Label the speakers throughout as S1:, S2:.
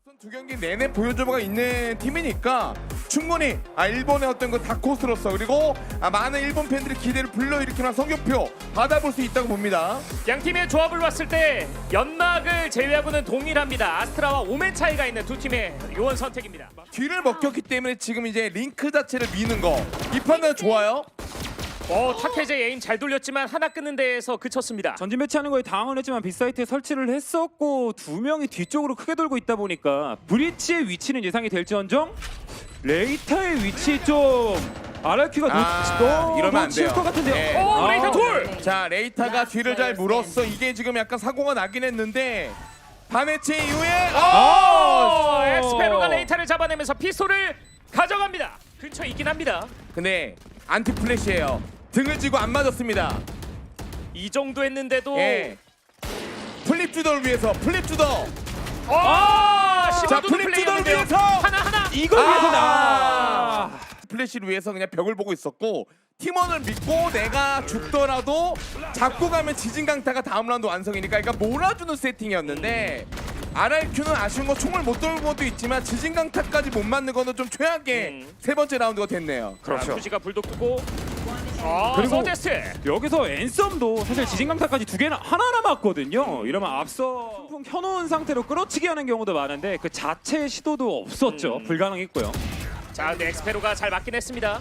S1: 두 경기 내내 보여줘가 있는 팀이니까 충분히 일본의 어떤 그 다크호스로서 그리고 많은 일본 팬들의 기대를 불러일으키는 성적표 받아볼 수 있다고 봅니다.
S2: 양 팀의 조합을 봤을 때 연막을 제외하고는 동일합니다. 아스트라와 오멘 차이가 있는 두 팀의 요원 선택입니다.
S1: 뒤를 먹혔기 때문에 지금 이제 링크 자체를 미는 거 이 판단 좋아요.
S2: 타케제 에임 잘 돌렸지만 하나 끊는 데에서 그쳤습니다.
S3: 전진 배치하는 거에 당황을 했지만 빗사이트에 설치를 했었고 두 명이 뒤쪽으로 크게 돌고 있다 보니까 브리치의 위치는 예상이 될지언정 레이타의 위치 좀 RRQ가
S1: 이러면 안 돼요.
S3: 것 같은데요.
S1: 네.
S2: 오, 레이타 둘!
S1: 자 레이타가 뒤를 잘 물었어. 이게 지금 약간 사고가 나긴 했는데 바네치 이후에
S2: 엑스페로가 레이타를 잡아내면서 피스톨을 가져갑니다. 근처에 있긴 합니다.
S1: 근데 안티 플래시예요. 등을 쥐고 안 맞았습니다.
S2: 이 정도 했는데도
S1: 예. 플립 주더를 위해서 플립 주더.
S2: 자,
S1: 플립 주더를 위해서
S2: 하나
S3: 이걸 위해서
S1: 플래시를 위해서 그냥 벽을 보고 있었고 팀원을 믿고 내가 죽더라도 잡고 가면 지진강타가 다음 라운드 완성이니까 그러니까 몰아주는 세팅이었는데 RRQ는 아쉬운 건 총을 못 돌고 것도 있지만 지진강타까지 못 맞는 거는 좀 최악의 세 번째 라운드가 됐네요.
S2: 그렇죠. 투지가 불독 두고
S3: 그리고
S2: 서제스트
S3: 여기서 앤썸도 사실 지진강타까지 두 개나 하나 남았거든요. 이러면 앞서 풍풍 켜놓은 상태로 끌어치기 하는 경우도 많은데 그 자체의 시도도 없었죠. 불가능했고요.
S2: 자, 근데 엑스페로가 잘 맞긴 했습니다.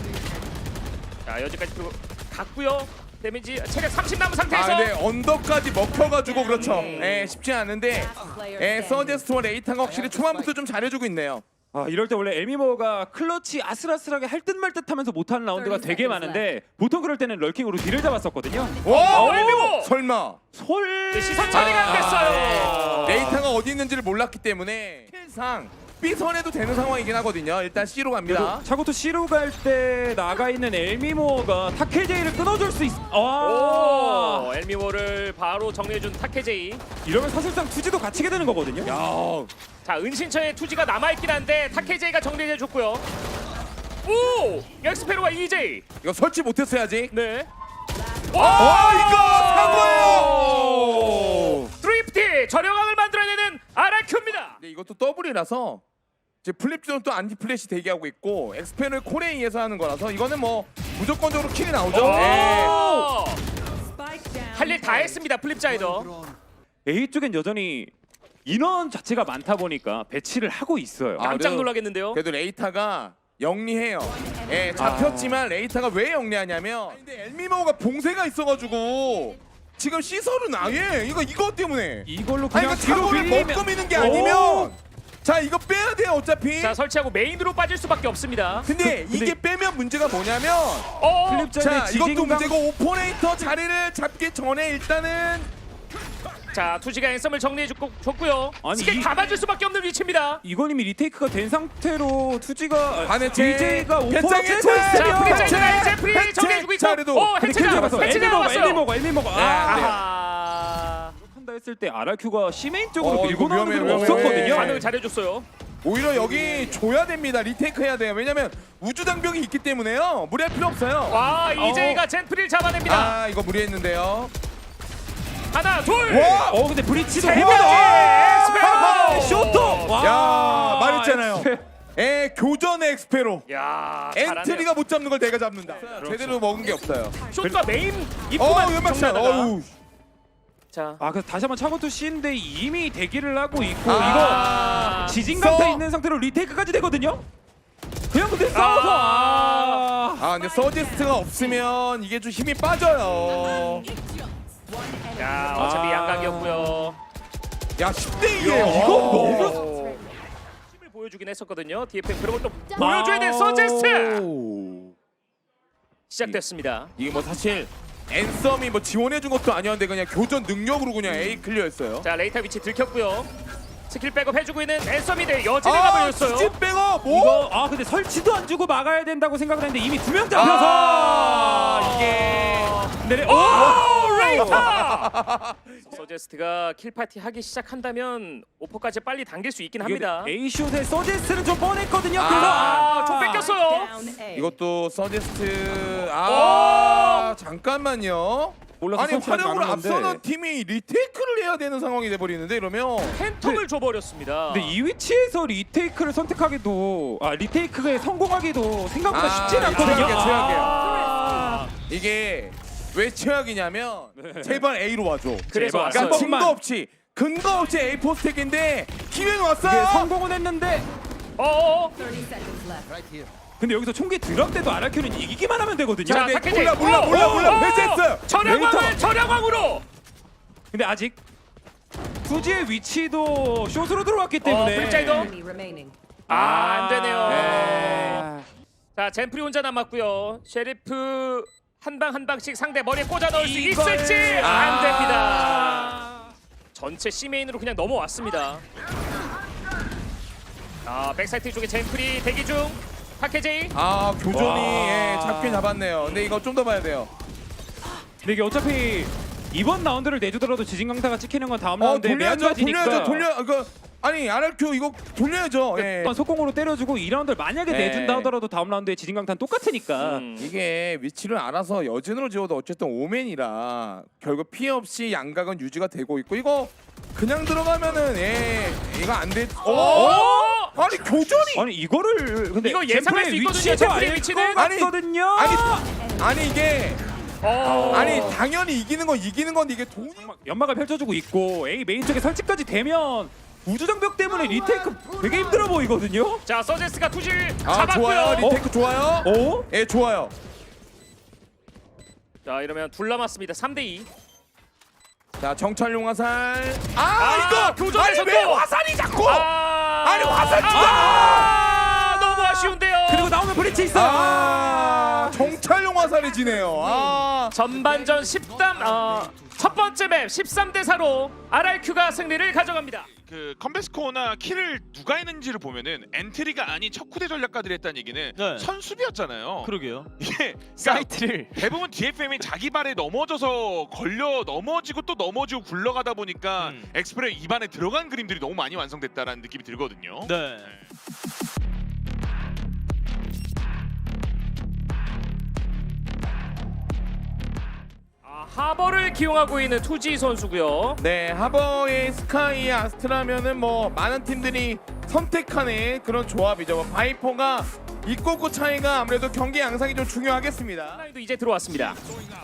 S2: 자, 여기까지 갔고요. 데미지 체력 30 남은 상태에서
S1: 근데 언더까지 먹혀가지고 그렇죠. 쉽지 않은데 서제스트와 레이타가 확실히 초반부터 좀 잘해주고 있네요.
S3: 이럴 때 원래 에미모가 클러치 아슬아슬하게 할 듯 말 듯 하면서 못하는 라운드가 되게 많은데 보통 그럴 때는 럴킹으로 뒤를 잡았었거든요.
S1: 와
S2: 에미모!
S1: 설마
S2: 시선 처리가 안 됐어요.
S1: 레이타가 어디 있는지를 몰랐기 때문에 킬상 B선에도 되는 상황이긴 하거든요. 일단 C로 갑니다.
S3: 차고토 C로 갈 때 나가 있는 엘미모어가 타케제이를 끊어줄 수 있.
S2: 엘미워를 바로 정리해준 타케제이.
S3: 이러면 사실상 투지도 갇히게 되는 거거든요.
S2: 자, 은신처에 투지가 남아있긴 한데 타케제이가 정리해줬고요. 오! 엑스페로와 EJ.
S1: 이거 설치 못했어야지.
S2: 네.
S1: 이거 사고예요.
S2: 드리프트 저렴함을 만들어내는 RRQ입니다.
S1: 근데 이것도 더블이라서 이제 플립존은 또 안티 플래시 대기하고 있고 엑스펜을 콜에 의해서 하는 거라서 이거는 뭐 무조건적으로 킬이 나오죠.
S2: 할 일 다 했습니다. 플립자이더.
S3: A 쪽엔 여전히 인원 자체가 많다 보니까 배치를 하고 있어요.
S2: 깜짝 놀라겠는데요.
S1: 그래도 레이타가 영리해요. 잡혔지만 레이타가 왜 영리하냐면 근데 엘미모가 봉쇄가 있어가지고 지금 시설은 아예 이거 때문에
S3: 이걸로 그냥
S1: 이거 사고를 먹고 미는 게 아니면 자 이거 빼야 돼요 어차피.
S2: 자, 설치하고 메인으로 빠질 수밖에 없습니다.
S1: 근데 이게 빼면 문제가 뭐냐면
S3: 플립자의
S1: 자 이것도
S3: 지진강
S1: 문제고 오퍼레이터 자리를 잡기 전에 일단은
S2: 자, 투지가 앤썸을 정리해줬고요.
S3: 아니,
S2: 스킬 다 맞을 수밖에 없는 위치입니다.
S3: 이건 이미 리테이크가 된 상태로 투지가
S1: 반해체
S3: DJ가 오퍼를
S1: 배짱의
S3: 째고
S1: 차!
S2: 자,
S3: 있으면
S2: 플립자이더가 이제 프리
S1: 해체!
S2: 정리해주고 있고.
S1: 자리도.
S2: 해체 나왔어. 해체 나왔어요.
S3: 엘미모가 한다 했을 때 RRQ가 C메인 쪽으로
S1: 이거
S3: 밀고 나오는
S1: 위험해,
S3: 건
S1: 위험해.
S3: 없었거든요.
S2: 반응을 잘해줬어요.
S1: 오히려 여기 줘야 됩니다. 리테이크 해야 돼요. 왜냐면 우주 장벽이 있기 때문에요. 무리할 필요 없어요.
S2: 와, EJ가 젠프리를 잡아냅니다.
S1: 이거 무리했는데요.
S2: 하나, 둘.
S1: 와!
S3: 근데 브리치도
S2: 세
S3: 해보다
S2: 명째!
S3: 쇼트.
S1: 야 말했잖아요. 교전의 엑스페로.
S2: 야, 잘하네요.
S1: 엔트리가 못 잡는 걸 내가 잡는다. 제대로 먹은 게 없어요.
S2: 쇼트가 메인 입구만
S1: 연막샷.
S2: 정리하다가. 자,
S3: 그래서 다시 한번 차고토 C인데 이미 대기를 하고 있고
S1: 아.
S3: 이거 지진강타
S1: 써.
S3: 있는 상태로 리테이크까지 되거든요. 그냥 근데 싸워서
S1: 근데 서지스트가 없으면 이게 좀 힘이 빠져요.
S2: 야, 어차피 양각이었고요.
S1: 야 10대 2예요.
S3: 이거 너무
S2: 힘을 보여주긴 했었거든요. DFM 그런 걸 또 보여줘야 돼. 서제스트 시작됐습니다.
S1: 이게 뭐 사실 앤썸이 뭐 지원해준 것도 아니었는데 그냥 교전 능력으로 그냥 A 클리어했어요.
S2: 자, 레이타 위치 들켰고요. 스킬 백업 해주고 있는 앤썸인데 여진을 가버렸어요.
S1: 집 백업 뭐?
S3: 이거 근데 설치도 안 주고 막아야 된다고 생각을 했는데 이미 두 명 잡혀서
S1: 이게
S3: 내려
S2: 레이타! 서제스트가 킬파티 하기 시작한다면 오퍼까지 빨리 당길 수 있긴 합니다.
S3: A슛의 서제스트는 좀 뻔했거든요.
S2: 좀 뺏겼어요.
S1: 이것도 서제스트
S2: 오!
S1: 잠깐만요.
S3: 올라서
S1: 아니
S3: 설치하지
S1: 화력으로
S3: 않은 건데.
S1: 앞서는 팀이 리테이크를 해야 되는 상황이 돼버리는데 이러면
S2: 팬텀을 줘버렸습니다.
S3: 근데 이 위치에서 리테이크를 선택하기도 리테이크에 성공하기도 생각보다 쉽지는 않거든요.
S1: 최악이에요. 이게 왜 최악이냐면 제발 A로 와줘.
S2: 그래서
S3: 제발.
S2: 왔어요.
S1: 그러니까 근거 없이 A 포스텍인데 기회는 왔어요.
S3: 이게 성공은 했는데
S2: 어어.
S4: 30 seconds left.
S3: 근데 여기서 총기 드랍 때도 RRQ는 이기기만 하면 되거든요.
S2: 자,
S1: 네,
S2: 타케지.
S1: 몰라. 회수했어요.
S2: 전향왕을 전향왕으로.
S3: 근데 아직 투지의 위치도 숏으로 들어왔기 때문에
S2: 플립자이더.
S4: Enemy remaining.
S2: 안 되네요.
S3: 네.
S2: 자, 젠프리 혼자 남았고요. 셰리프 한 방 한 방씩 상대 머리에 꽂아 넣을 수
S3: 이걸-
S2: 있을지 안 됩니다. 전체 C 메인으로 그냥 넘어왔습니다. 백사이트 쪽에 젠프리 대기 중. 타케제이.
S1: 교전이
S3: 와.
S1: 잡긴 잡았네요. 근데 이거 좀 더 봐야 돼요.
S3: 근데 이게 어차피 이번 라운드를 내주더라도 지진강타가 찍히는 건 다음 라운드에
S1: 돌려야죠. 아니 RRQ 이거 돌려야죠. 예.
S3: 속공으로 때려주고 2라운드를 만약에
S1: 네.
S3: 내준다 하더라도 다음 라운드에 지진강타는 똑같으니까
S1: 이게 위치를 알아서 여진으로 지어도 어쨌든 오맨이라 결국 피해 없이 양각은 유지가 되고 있고 이거 그냥 들어가면은 이거 안 돼. 아니 교전이
S3: 아니 이거를 근데
S2: 이거 예상할 수 있거든요, 젠프리의 위치는.
S3: 거든요.
S1: 아니 이게
S2: 어.
S1: 아니 당연히 이기는 건데 이게 돈이
S3: 연막을 펼쳐주고 있고 A 메인 쪽에 설치까지 되면 우주정벽 때문에 리테이크 되게 힘들어 보이거든요.
S2: 자, 서제스가 투질
S1: 좋아요.
S2: 잡았고요.
S1: 리테이크 좋아요.
S3: 어?
S1: 예 좋아요.
S2: 자, 이러면 둘 남았습니다. 3대2.
S1: 자 정찰용 화살.
S2: 아,
S1: 이거
S2: 교전에서
S1: 아니 왜
S2: 또!
S1: 화살이 자꾸 아니 화살
S2: 너무 아쉬운데요.
S3: 그리고 나오면 브리치 있어.
S1: 정찰용 화살이 지네요.
S2: 전반전 10단 첫 번째 맵 13대 4로 RRQ가 승리를 가져갑니다.
S5: 그 컴베스코나 킬을 누가 했는지를 보면은 엔트리가 아닌 척후대 전략가들이 했다는 얘기는
S6: 네.
S5: 선수비였잖아요.
S6: 그러게요.
S5: 이게 그러니까
S6: 사이트를
S5: 대부분 DFM이 자기 발에 넘어져서 걸려 넘어지고 또 넘어지고 굴러가다 보니까 엑스프레 입안에 들어간 그림들이 너무 많이 완성됐다라는 느낌이 들거든요.
S6: 네.
S2: 하버를 기용하고 있는 투지 선수고요.
S1: 네 하버의 스카이 아스트라면은 뭐 많은 팀들이 선택하는 그런 조합이죠. 뭐 바이퍼가 있고 차이가 아무래도 경기 양상이 좀 중요하겠습니다.
S2: 하나도 이제 들어왔습니다.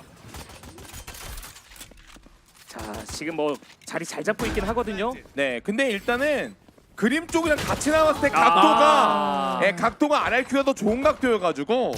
S2: 자, 지금 뭐 자리 잘 잡고 있긴 하거든요.
S1: 네 근데 일단은 그림 쪽이랑 같이 나왔을 때
S2: 아.
S1: 각도가 RRQ가 더 좋은 각도여가지고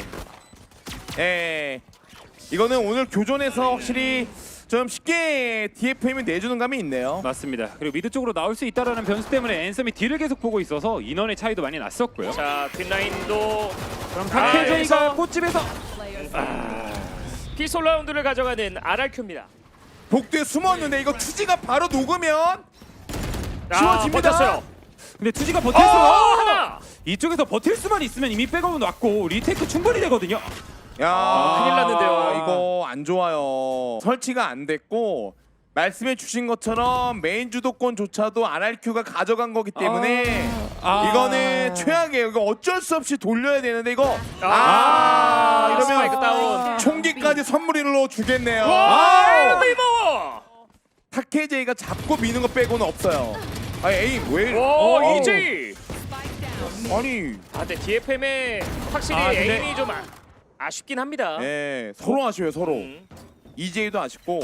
S1: 이거는 오늘 교전에서 확실히 좀 쉽게 DFM이 내주는 감이 있네요.
S3: 맞습니다. 그리고 미드 쪽으로 나올 수 있다라는 변수 때문에 앤섬이 뒤를 계속 보고 있어서 인원의 차이도 많이 났었고요.
S2: 자, 뒷라인도
S3: 그럼
S2: 여기서-
S3: 타케제이가 꽃집에서
S4: Players
S2: 피솔 라운드를 가져가는 RRQ입니다.
S1: 복도에 숨었는데 이거 투지가 바로 녹으면 지워집니다.
S2: 버텼어요.
S3: 근데 투지가 버틸 수가
S2: 하나.
S3: 이쪽에서 버틸 수만 있으면 이미 백업은 왔고 리테이크 충분히 되거든요.
S1: 야
S2: 큰일 났는데요.
S1: 이거 안 좋아요. 설치가 안 됐고 말씀해 주신 것처럼 메인 주도권조차도 RRQ가 가져간 거기 때문에 이거는 최악이에요. 이거 어쩔 수 없이 돌려야 되는데 이거
S2: 스파이크
S1: 이러면
S2: 다운.
S1: 총기까지 선물로 주겠네요.
S2: 와, 리버.
S1: 타케제이가 잡고 미는 거 빼고는 없어요. 에임 왜?
S2: 오, 이지.
S1: 아니
S2: 근데 DFM의 확실히
S3: 근데-
S2: 에임이 좀 아쉽긴 합니다.
S1: 서로 아쉬워요 서로.
S2: 음.
S1: EJ도 아쉽고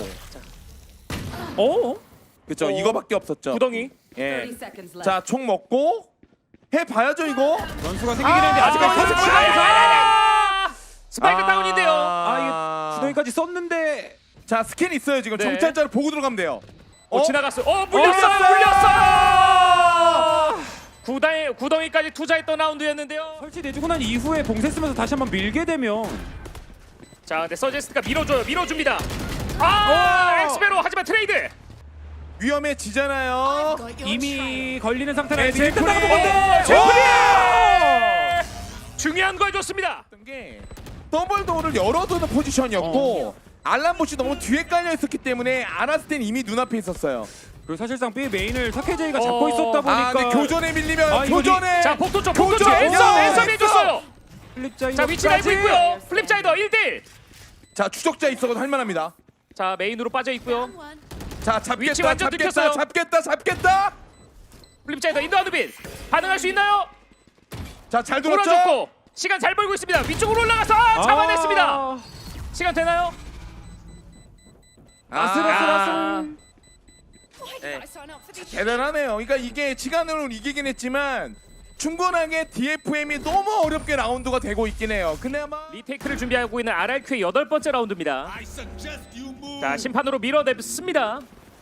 S1: 그쵸
S2: 어.
S1: 이거밖에 없었죠.
S2: 구덩이.
S4: 30 seconds left.
S1: 자 총 먹고 해봐야죠 이거.
S3: 변수가 생기긴 했는데 아직까지
S1: 이거
S3: 터치
S2: 스파이크 다운인데요.
S3: 이게 구덩이까지 썼는데
S1: 자 스캔 있어요 지금.
S2: 네.
S1: 정찰자를 보고 들어가면 돼요.
S2: 지나갔어요. 물렸어요. 구덩이까지 투자했던 라운드였는데요.
S3: 설치내주고 난 이후에 봉쇄 쓰면서 다시 한번 밀게 되면
S2: 자, 근데 서제스트가 밀어줍니다. 엑스베로 하지만 트레이드.
S1: 위험해지잖아요.
S3: 이미 걸리는 상태라
S1: 네,
S3: 일단
S1: 제프리!
S3: 나가는 건데
S2: 제프리! 중요한 걸 줬습니다.
S1: 게 더블 도어를 열어두는 포지션이었고 알람봇이 너무 뒤에 깔려 있었기 때문에 알았을 땐 이미 눈앞에 있었어요.
S3: 그리고 사실상 B 메인을 타케제이가 잡고 있었다 보니까
S1: 근데 교전에 밀리면
S3: 이거
S1: 교전에
S2: 자, 복도 쪽
S1: 교전!
S2: 앤섬이 해줬어요.
S3: 플립자이
S2: 자, 위치 알고 있고요. 플립자이더 1대1.
S1: 자 추적자 있어도 할만합니다.
S2: 자 메인으로 빠져 있고요.
S1: 자
S2: 위치
S1: 잡겠다
S2: 완전 들켰어요.
S1: 잡겠다.
S2: 플립자이더 인도 하드빈 반응할 수 있나요?
S1: 자잘 돌았죠.
S2: 돌아줬고 시간 잘 벌고 있습니다. 위쪽으로 올라가서 잡아냈습니다. 시간 되나요?
S3: 아슬아슬아슬.
S1: 네. 대단하네요. 그러니까 이게 시간으로 이기긴 했지만 충분하게 DFM이 너무 어렵게 라운드가 되고 있긴 해요. 근데 아마
S2: 리테이크를 준비하고 있는 RRQ의 8번째 라운드입니다. 자 심판으로 밀어냈습니다.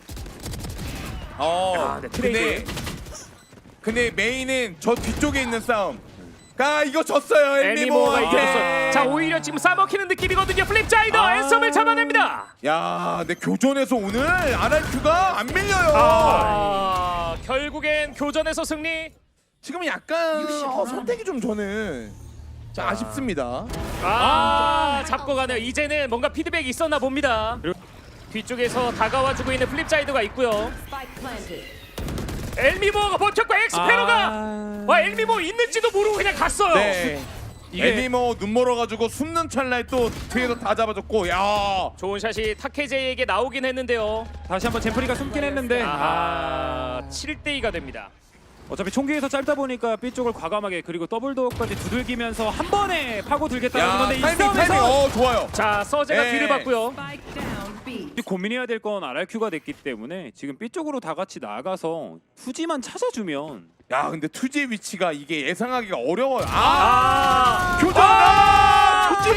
S2: 네, 트레이드.
S1: 근데 메인은 저 뒤쪽에 있는 싸움. 이거 졌어요
S2: 엘미모가
S1: 엘미모한테.
S2: 이겼어요. 자 오히려 지금 싸먹히는 느낌이거든요. 플립자이더 앤섬을 잡아냅니다.
S1: 야, 근데 교전에서 오늘 RRQ가 안 밀려요.
S2: 결국엔 교전에서 승리.
S1: 지금 약간 선택이 좀 저는 좀 아쉽습니다.
S2: 잡고 가네요. 이제는 뭔가 피드백이 있었나 봅니다. 뒤쪽에서 다가와주고 있는 플립자이더가 있고요.
S4: Spike planted.
S2: 엘미모가 버텼고 엑스페로가 와 엘미모 있는지도 모르고 그냥 갔어요.
S1: 네. 엘미모 눈 멀어가지고 숨는 찰나에 또 뒤에서 다 잡아줬고, 야.
S2: 좋은 샷이 타케제이에게 나오긴 했는데요.
S3: 다시 한번 젠프리가 숨긴 했는데
S2: 7대2가 됩니다.
S3: 어차피 총기에서 짧다 보니까 B 쪽을 과감하게 그리고 더블 도어까지 두들기면서 한 번에 파고 들겠다는
S1: 야,
S3: 건데 이
S1: 타이밍
S3: 싸움에서
S1: 좋아요.
S2: 자 서재가
S1: 네.
S2: 뒤를 봤고요.
S4: Spike down B.
S3: 고민해야 될 건 RRQ가 됐기 때문에 지금 B 쪽으로 다 같이 나가서 투지만 찾아주면
S1: 야, 근데 투지의 위치가 이게 예상하기가 어려워요. 교전! 투지!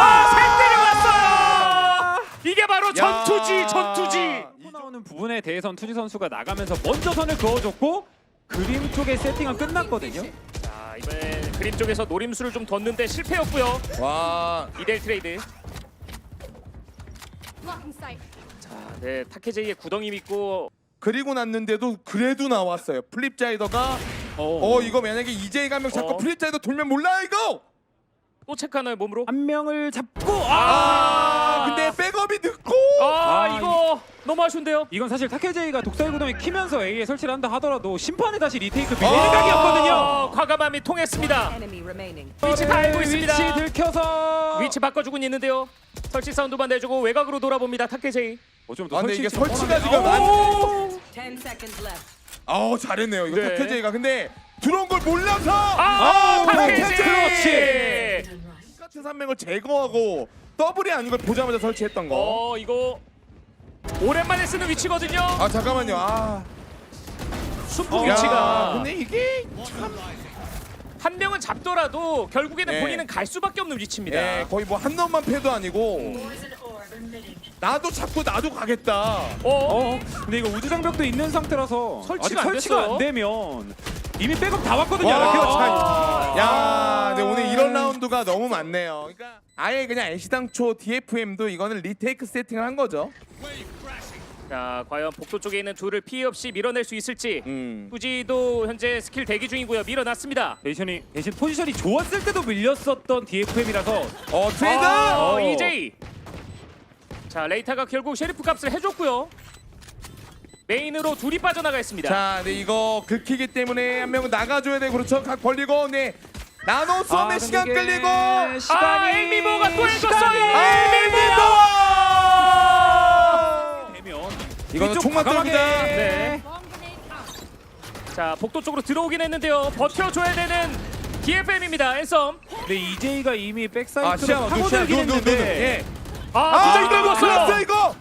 S2: 셋 때려왔어요. 이게 바로 전투지.
S3: 나오는 부분에 대해선 투지 선수가 나가면서 먼저 선을 그어줬고 그림 쪽의 세팅은 끝났거든요.
S2: 자 이번에 그림 쪽에서 노림수를 좀 뒀는데 실패였고요.
S1: 와,
S2: 2대1 트레이드. 네 타케제이의 구덩이 믿고
S1: 그리고 났는데도 그래도 나왔어요. 플립자이더가 이거 만약에 EJ 가면 자꾸 플립자이더 돌면 몰라 이거.
S2: 또 체크하나요 몸으로?
S3: 한 명을 잡고
S1: 근데 백업이 늦고.
S2: 이거 너무 아쉬운데요.
S3: 이건 사실 타케제이가 독살 구덩이 키면서 A에 설치를 한다 하더라도 심판에 다시 리테이크 빌릴 각이었거든요.
S2: 과감함이 통했습니다.
S4: Enemy remaining.
S2: 위치 다 알고 있습니다.
S3: 위치 들켜서
S2: 위치 바꿔주고 있는데요. 설치 사운드만 내주고 외곽으로 돌아봅니다. 타케제이.
S3: 좀
S1: 근데 이게
S3: 설치
S1: 설치가 지금 안.
S4: 10 seconds left.
S1: 잘했네요. 이거
S2: 네.
S1: 타케제이가 근데 들어온 걸 몰라서.
S2: 타케제이.
S3: 그렇지.
S1: 같은 3명을 제거하고 더블이 아닌 걸 보자마자 설치했던 거.
S2: 이거 오랜만에 쓰는 위치거든요.
S1: 잠깐만요.
S2: 순풍
S1: 야,
S2: 위치가
S1: 근데 이게
S2: 한 명은 잡더라도 결국에는
S1: 네.
S2: 본인은 갈 수밖에 없는 위치입니다.
S1: 거의 뭐 한 놈만 패도 아니고 나도 잡고 나도 가겠다.
S3: 근데 이거 우주 장벽도 있는 상태라서
S2: 설치가
S3: 아직
S2: 안
S3: 설치가
S2: 됐어요.
S3: 안 되면 이미 백업 다 왔거든요.
S1: 야, 근데 오늘 이런 라운드가 너무 많네요. 그러니까 아예 그냥 애시당초 DFM도 이거는 리테이크 세팅을 한 거죠.
S2: 자 과연 복도 쪽에 있는 둘을 피해 없이 밀어낼 수 있을지.
S1: 음.
S2: 후지도 현재 스킬 대기 중이고요. 밀어놨습니다.
S3: 대신 포지션이 좋았을 때도 밀렸었던 DFM이라서
S1: 트레이더.
S2: EJ. 자 레이타가 결국 셰리프 값을 해줬고요. 메인으로 둘이 빠져나가 있습니다.
S1: 자, 근데 이거 긁히기 때문에 한 명은 나가줘야 돼. 그렇죠. 각 벌리고, 네. 나노 쏘면 시간 끌리고.
S2: 엘미모가 또 해줬어요.
S3: 되면
S1: 이거는
S3: 이쪽
S1: 총만
S3: 과감하게.
S1: 떨어진다.
S2: 네. 자 복도 쪽으로 들어오긴 했는데요. 버텨줘야 되는 DFM입니다. 앤썸.
S3: 근데 EJ가 이미 백사이트로
S1: 시야,
S3: 파고들긴 했는데
S1: 예.
S2: 부장
S1: 이거
S2: 들었어요.
S1: 이거.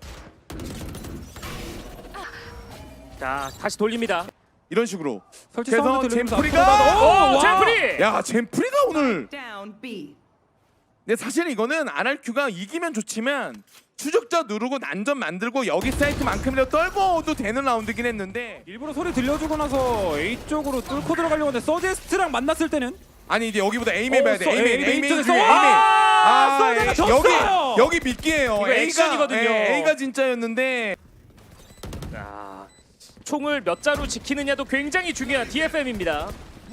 S2: 자 다시 돌립니다.
S1: 이런 식으로.
S3: 설치
S1: 그래서
S3: 사운드 들으면서
S1: 젠프리가-
S3: 앞으로 가다.
S2: 젠프리.
S1: 야, 젠프리가 오늘.
S4: Down B.
S1: 근데 사실 이거는 RRQ가 이기면 좋지만 추적자 누르고 난전 만들고 여기 사이트만큼이라도 떨궈도 되는 라운드긴 했는데
S3: 일부러 소리 들려주고 나서 A 쪽으로 뚫고 들어가려고 하는데 서제스트랑 만났을 때는
S1: 아니 이제 여기보다 에임 해봐야 돼. 에임
S3: 쪽에서
S1: 에임.
S3: 서제가 졌어요.
S1: 여기 믿기에요.
S2: 이거 액션이거든요.
S1: A가 진짜였는데.
S2: 자, 총을 몇 자루 지키느냐도 굉장히 중요한 DFM입니다.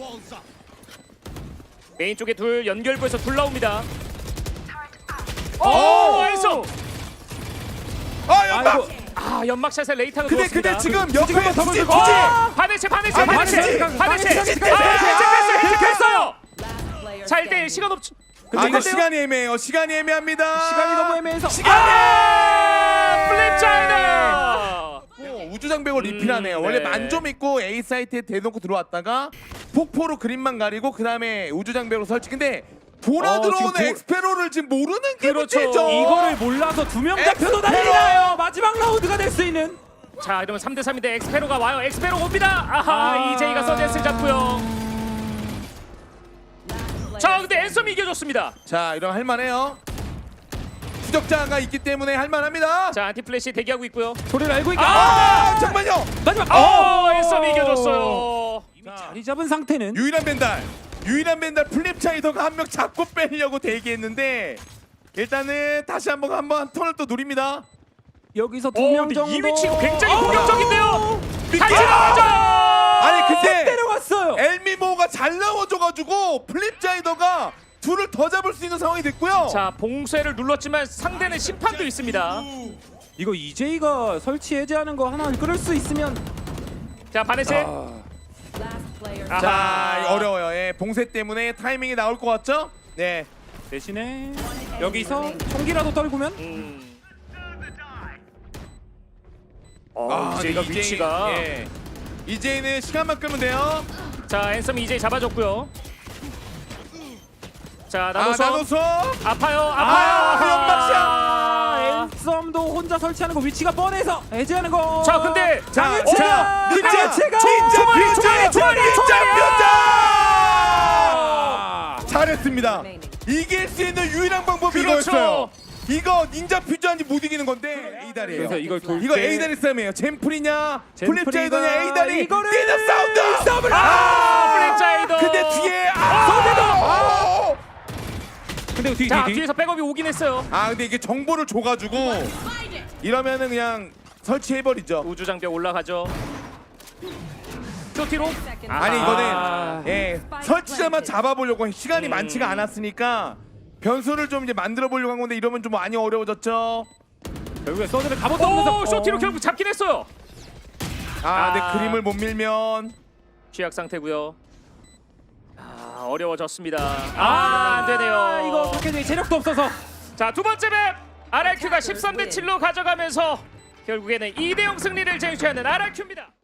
S2: 메인 쪽에 둘 연결부에서 둘 나옵니다. 앤썸.
S1: 연막.
S2: 연막샷에 레이타가
S1: 근데
S2: 누웠습니다.
S1: 지금
S3: 지금
S1: 옆에
S3: 더
S1: 투지
S3: 먼저
S2: 바네체
S4: Last player
S2: 자 1대1
S4: standing.
S2: 시간 없죠.
S1: 이거 시간이 애매해요. 시간이 애매합니다.
S3: 시간이 너무 애매해서
S1: 시간이.
S2: 플립자이더.
S1: 우주장벽을 리필하네요. 원래
S2: 네.
S1: 만점 있고 A 사이트에 대놓고 들어왔다가 폭포로 그림만 가리고 그 다음에 우주장벽으로 설치. 근데 돌아 들어오는
S3: 지금
S1: 엑스페로를 지금 모르는 게
S2: 그렇죠.
S1: 문제죠.
S3: 이거를 몰라서 두 명 잡혀도
S1: 엑스페로!
S3: 난리 나요. 마지막 라운드가 될 수 있는.
S2: 자 이러면 3대 3인데 엑스페로가 와요. 엑스페로 옵니다. 아하 이제이가 서제스를 잡고요. 자 근데 앤섬이 이겨줬습니다.
S1: 자 이러면 할만해요. 추적자가 있기 때문에 할만합니다.
S2: 자 안티플래시 대기하고 있고요.
S3: 소리를 알고 있고.
S1: 잠깐만요.
S3: 마지막.
S2: 앤섬이 이겨줬어요.
S3: 이미 자리 잡은 상태는
S1: 유일한 벤달 플립차이더가 한 명 잡고 빼려고 대기했는데 일단은 다시 한번 턴을 또 노립니다.
S3: 여기서 두 명
S2: 근데
S3: 정도.
S2: 이 위치 굉장히 공격적인데요.
S1: 미끼!
S2: 같이 나가죠.
S1: 아니 근데
S3: 때려갔어요.
S1: 엘미모가 잘 나와줘가지고 플립차이더가 둘을 더 잡을 수 있는 상황이 됐고요.
S2: 자 봉쇄를 눌렀지만 상대는 심판도 있습니다.
S3: 이거 EJ가 설치 해제하는 거 하나 끌을 수 있으면.
S2: 자 바네시.
S4: Last player.
S2: 아하.
S1: 자 어려워요. 예, 봉쇄 때문에 타이밍이 나올 것 같죠? 네.
S3: 대신에 여기서 총기라도 떨구면.
S2: 이제이가
S1: 근데
S2: 위치가.
S1: 예. 이제는 시간만 끄면 돼요.
S2: 자 앤섬이 이제이 잡아줬고요. 자 나노섬.
S1: 나노섬.
S2: 아파요.
S1: 연막샷!
S3: 앤썸도 혼자 설치하는 거 위치가 뻔해서 해제하는 거.
S2: 자 근데
S1: 자,
S3: 자,
S1: 닌자
S2: 총알이!
S1: 잘했습니다.
S4: Remaining.
S1: 이길 수 있는 유일한 방법이
S2: 그렇죠.
S1: 이거였어요. 이거 닌자 퓨즈한지 못 이기는 건데 A다리예요.
S3: 그래서 이걸 돌
S1: 이거
S3: 때
S1: A다리 싸움이에요. 젠플이냐
S3: 젠플이가
S1: 플립자이더냐 A다리
S3: 이거를
S1: 뛰는 사운드.
S3: 싸움을
S2: 플립자이더.
S1: 근데 뒤에
S3: 근데 뒤
S2: 자 뒤에서 백업이 오긴 했어요.
S1: 근데 이게 정보를 줘가지고 이러면은 그냥 설치해버리죠.
S2: 우주 장벽 올라가죠. 쇼티로.
S1: 아니
S2: 아하.
S1: 이거는 예 설치자만 잡아보려고 시간이 많지가 않았으니까 변수를 좀 이제 만들어 보려고 한 건데 이러면 좀 많이 어려워졌죠.
S3: 결국에 서드를 갑옷도 없면서
S2: 오 쇼티로 결국 잡긴 했어요.
S1: 근데
S2: 아.
S1: 그림을 못 밀면
S2: 취약 상태고요. 어려워졌습니다. 안 되네요.
S3: 이거 박혜진이 체력도 없어서.
S2: 자 두 번째 맵 RRQ가 13대 7로 가져가면서 결국에는 2대0 승리를 쟁취하는 RRQ입니다.